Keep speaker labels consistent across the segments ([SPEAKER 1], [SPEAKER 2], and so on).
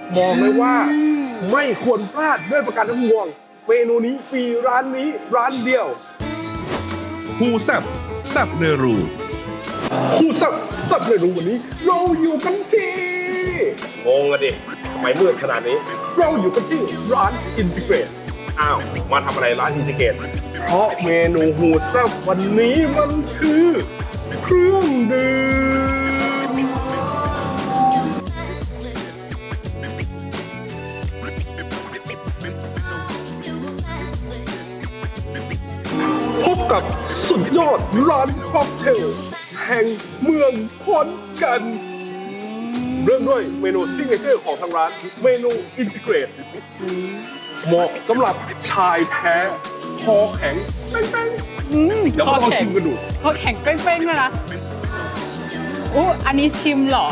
[SPEAKER 1] บอกเลยว่าไม่ควรพลาดด้วยประการทั้งปวงเมนูนี้มีร้านนี้ร้านเดียว
[SPEAKER 2] ฮูแซบแซบเนรู
[SPEAKER 1] คู่สับเมนูวันนี้เราอยู่กันที่งงอะดิทำไมมืดขนาดนี้เราอยู่กันที่ร้านอินทิเกรตอ้าวมาทำอะไรร้านอินทิเกรตเพราะเมนูฮูแซ่บวันนี้มันคือเครื่องดื่มพบกับสุดยอดร้านค็อกเทลแห่งเมืองขอนแก่นเริ่มด้วยเมนูซิกเนเจอร์ของทางร้านเมนูอินทิเกรตเหมาะสำหรับชายแท้คอแข็งเป้งๆเดี๋ยวมาลองชิมกันดู
[SPEAKER 3] คอแข็งเป้งๆเลยนะอันนี้ชิมเหรอ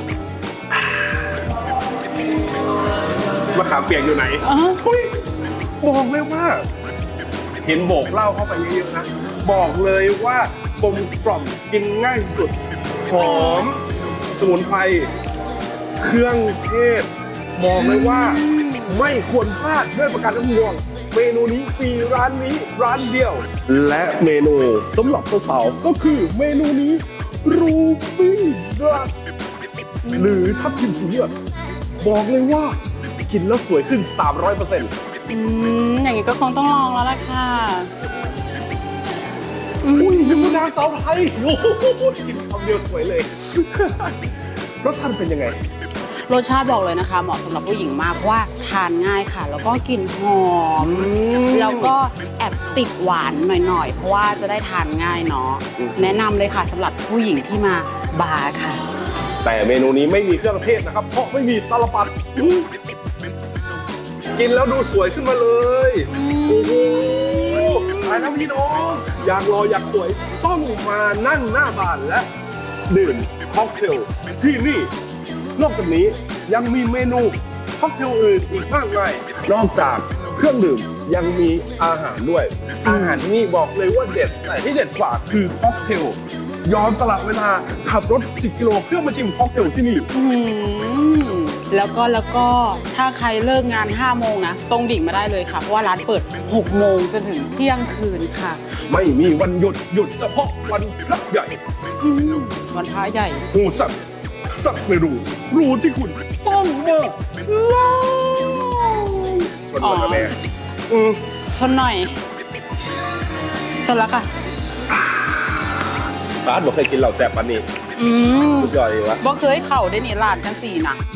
[SPEAKER 1] มะขามเปียกอยู่ไหน เฮ้ยบอกเลยว่า เห็นโบกเหล้าเข้าไปเยอะๆนะบอกเลยว่ากลมกล่อมกินง่ายสุดหอมสมุนไพรเครื่องเทศบอกเลยว่าไม่ควรพลาดด้วยประการทั้งปวงเมนูนี้มีร้านนี้ร้านเดียว และเมนูสำหรับสาวๆก็คือเมนูนี้รูบี้ดรัสหรือทับทิมสีเหลืองบอกเลยว่ากินแล้วสวยขึ้น 300%
[SPEAKER 3] อย่างนี้ก็คงต้องลองแล้วล่ะค่ะ
[SPEAKER 1] อุ้ยยังนางสาวไทยโอ้โหกินคำเดียวสวยเลย รสชาติเป็นยังไง
[SPEAKER 3] รสชาติบอกเลยนะคะเหมาะสำหรับผู้หญิงมากเพราะว่าทานง่ายค่ะ แล้วก็กลิ่นหอม แล้วก็แอบติดหวานหน่อยๆ เพราะว่าจะได้ทานง่ายเนาะแนะนำเลยค่ะสำหรับผู้หญิงที่มาบาร์ค่ะ
[SPEAKER 1] แต่เมนูนี้ไม่มีเครื่องเทศนะครับ เพราะไม่มีตาลปัดกินแล้วดูสวยขึ้นมาเลยโอ้โหตายแล้วพี่น้องอยากรออยากสวยต้องมานั่งหน้าบาร์และดื่มค็อกเทลที่นี่นอกจากนี้ยังมีเมนูค็อกเทลอื่นอีกมากมายนอกจากเครื่องดื่มยังมีอาหารด้วยอาหารที่นี่บอกเลยว่าเด็ดแต่ที่เด็ดกว่าคือค็อกเทลยอมสละเวลาขับรถ10 กิโลเพื่อมาชิมค็อกเทลที่นี่
[SPEAKER 3] แล้วก็ถ้าใครเลิกงาน5 โมงนะตรงดิ่งมาได้เลยค่ะเพราะว่าร้านเปิด6 โมงจนถึงเที่ยงคืนค่ะ
[SPEAKER 1] ไม่มีวันหยุดเฉพาะวันพระใหญ่
[SPEAKER 3] วันพระใหญ่
[SPEAKER 1] โหสับไม่รู้ที่คุณต้องมาลองชนกันนะแม่
[SPEAKER 3] ชนหน่อย ชนแล้วค่ะ
[SPEAKER 1] ร้านบอกเคยกินเหล่าแซ่บปันนี้สุดยอดเลยวะ
[SPEAKER 3] บ่เคยเข่าได้นี่ร้านจังสี่นะ